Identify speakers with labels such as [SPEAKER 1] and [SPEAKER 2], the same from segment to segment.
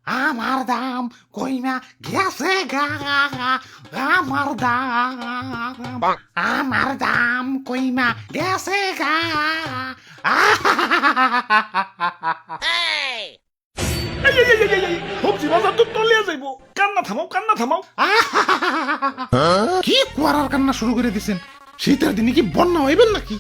[SPEAKER 1] আমার দাম কইমা গেছে গা, আমার দাম কইমা গেছে গা।
[SPEAKER 2] সবজি বাজার তো তলিয়া যাইবো, কান্না থামাও।
[SPEAKER 1] কি কুয়ারার কান্না শুরু করে দিছেন? শীতের দিনে কি বন্যা হইবেন নাকি?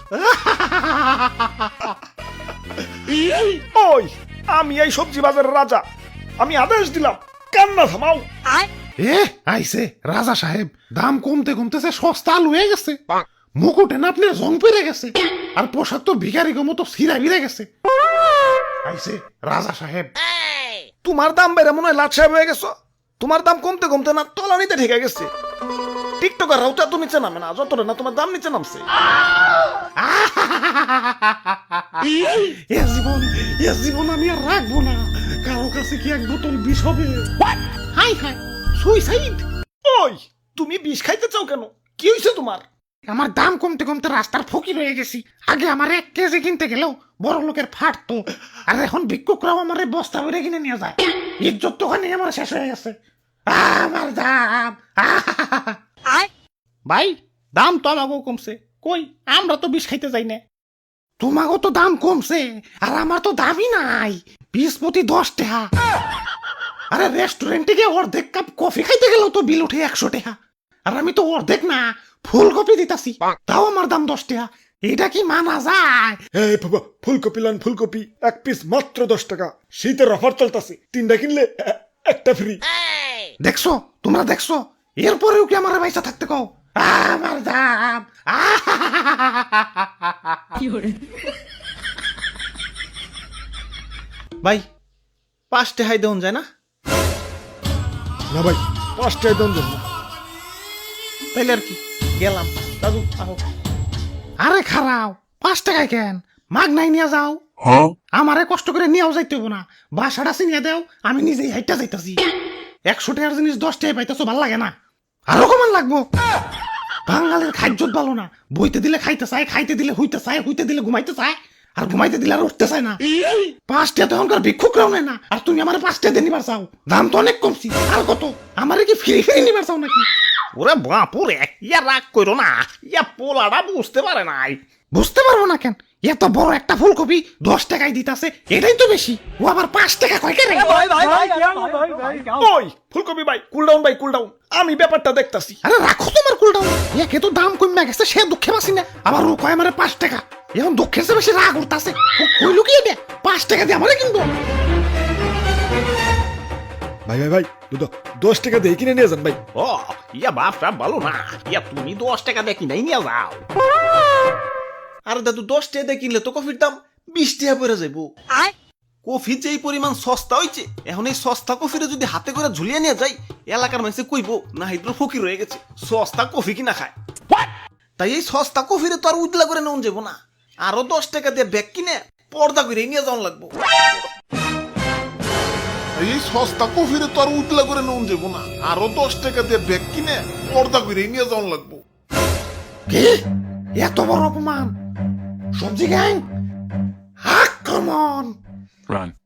[SPEAKER 2] ওই আমি এই সবজি বাজারের রাজা, আমি আদেশ দিলাম কান্না থামাও।
[SPEAKER 1] এ আইছে রাজা সাহেব, দাম কমতে কমতেছে সস্তা আলু হয়ে গেছে, মুকুটে না আপনার জং পেরে গেছে, আর পোশাক তো ভিখারি মতো সিরা বিরে গেছে। আইছে রাজা সাহেব।
[SPEAKER 2] তোমার দাম বেড়ে মনে হয় লাট সাহেব হয়ে গেছো। তোমার দাম কমতে কমতে না তলানিতে ঠেকে গেছে। টিকটকার রাউটা তো নিচে নামে না, যতটা না তোমার দাম নিচে নামছে।
[SPEAKER 1] এ জীবন আমি আর রাখবো না। কারো কাছে কি এক বোতল বিষ হবে? হাই হাই, সুইসাইড।
[SPEAKER 2] ওই তুমি বিষ খাইতে চাও কেন? কি হয়েছে তোমার?
[SPEAKER 1] আমার দাম কমতে কমতে রাস্তার ফকির হয়ে গেছি। আগে আমার 1 কেজি কিনতে গেলেও বড় লোকের ফাটতো, আর এখন ভিক্ষুকরাও আমার বস্তা ভরে কিনে নিয়ে যায়। ইজ্জত তো ওখানে আমার শেষ হয়ে গেছে। আমার দাম। ভাই, দাম তো আমাকেও কমছে, কই আমরা তো বিষ খাইতে যাই না। তোমাকেও তো দাম কমছে, আর আমার তো দামই নাই। 20 প্রতি 10 টাকা। আরে রেস্টুরেন্টে গিয়ে অর্ধেক কাপ কফি খাইতে গেলেও তো বিল উঠে 100 টাকা, আর আমি তো অর্ধেক না ফুলকপি দিতাছি, তাও আমার দাম 10 টাকা। এটা কি মানা যায়?
[SPEAKER 2] এই বাবা, ফুলকপি লান, ফুলকপি 1 পিস মাত্র 10 টাকা। শীতের অফার চলতেছে, 3টা কিনলে একটা ফ্রি।
[SPEAKER 1] দেখছো, তোমরা দেখছো, এরপরেও কি আমার পয়সা থাকতে কও? আমার দাম।
[SPEAKER 3] ভাই 5 টাকাই দেন যায় না?
[SPEAKER 2] না ভাই, 5 টাকা দাম দেন না।
[SPEAKER 3] তাইলে আর কি, গেলাম। দাদু আহো।
[SPEAKER 1] আরে খারাও, 5 টাকায় কেন? মাগ নাই নিয়ে যাও। আমারে কষ্ট করে নিয়েও যাইতে হবো না, বাসাটা চিনিয়ে দেও, আমি নিজেই হাইটা যাইতাছি। 100 টাকার জিনিস 10 টাকায় পাইতেছো, ভাল লাগে না? আরো কমান লাগবো। বাঙালির খাদ্যত ভালো না, বইতে দিলে খাইতে চায়, খাইতে দিলে হইতে চায়, হইতে দিলে ঘুমাইতে চায়, আর ঘুমাইতে দিলে আর উঠতে চায় না। 5 টাকা তো এখনকার ভিক্ষুকরাও নেয় না, আর তুমি আমার 5 টাকা দিয়ে নিবার চাও? দাম তো অনেক কমছি। আর কত? আমারে কি ফ্রি ফ্রি নিবার চাও নাকি?
[SPEAKER 3] ওরে বাপুরে, ইয়া রাগ করো না, ইয়া পোলাটা বুঝতে পারে নাই।
[SPEAKER 1] বুঝতে পারবো না কেন? এত বড় একটা ফুলকপি 10 টাকায় দিতাছে, এটাই তো বেশি। ও আবার 5 টাকা কয় কেন?
[SPEAKER 2] ওই ফুলকপি ভাই, কুল ডাউন ভাই, কুল ডাউন। আমি ব্যাপারটা দেখতাছি।
[SPEAKER 1] আরে রাখো তোমার কুলটাও। একে তো দাম কমে গেছে, সে দুঃখে বাসি না, আবার ও কয় আমারে 5 টাকা। এখন দুঃখের চেয়ে বেশি রাগ উঠতাছে। কইলো কি এটা? 5 টাকা দিয়ে আমারে কিনবো?
[SPEAKER 2] ভাই, দুটো 10 টাকা দিয়ে কিনে নিয়ে যান ভাই।
[SPEAKER 3] ও ইয়া বাপটা ভালো না, ইয়া তুমি 10 টাকা দিয়ে কিনাই নিয়ে যাও। আরে দাদু 10 টাকা দিয়ে কিনলে তো কফির দাম 20 টাকা পড়ে যাইবো। কফি যে এই পরিমাণ সস্তা হইছে, এখন এই সস্তা কফিরে যদি হাতে করে ঝুলিয়ে নিয়ে যাই, এলাকার মানুষে কইবো না হাইদ্র ফকির হয়ে গেছে, সস্তা কফি কিনা খায়। তাই এই সস্তা কফিরে তো আর উজলা করে নেওয়া যাবো না, আরো 10 টাকা দিয়ে ব্যাগ কিনে পর্দা করে নিয়ে যাওয়া লাগবো।
[SPEAKER 4] এই সস্তা কফিরে তো আর উতলা করে নুন যাবো না, আরো 10 টাকা দিয়ে ব্যাগ কিনে পর্দা করে নিয়ে যাওয়ান লাগবো।
[SPEAKER 1] কি? এত বড় অপমান? সবজি গ্যাং, আক্রমণ!
[SPEAKER 5] Run.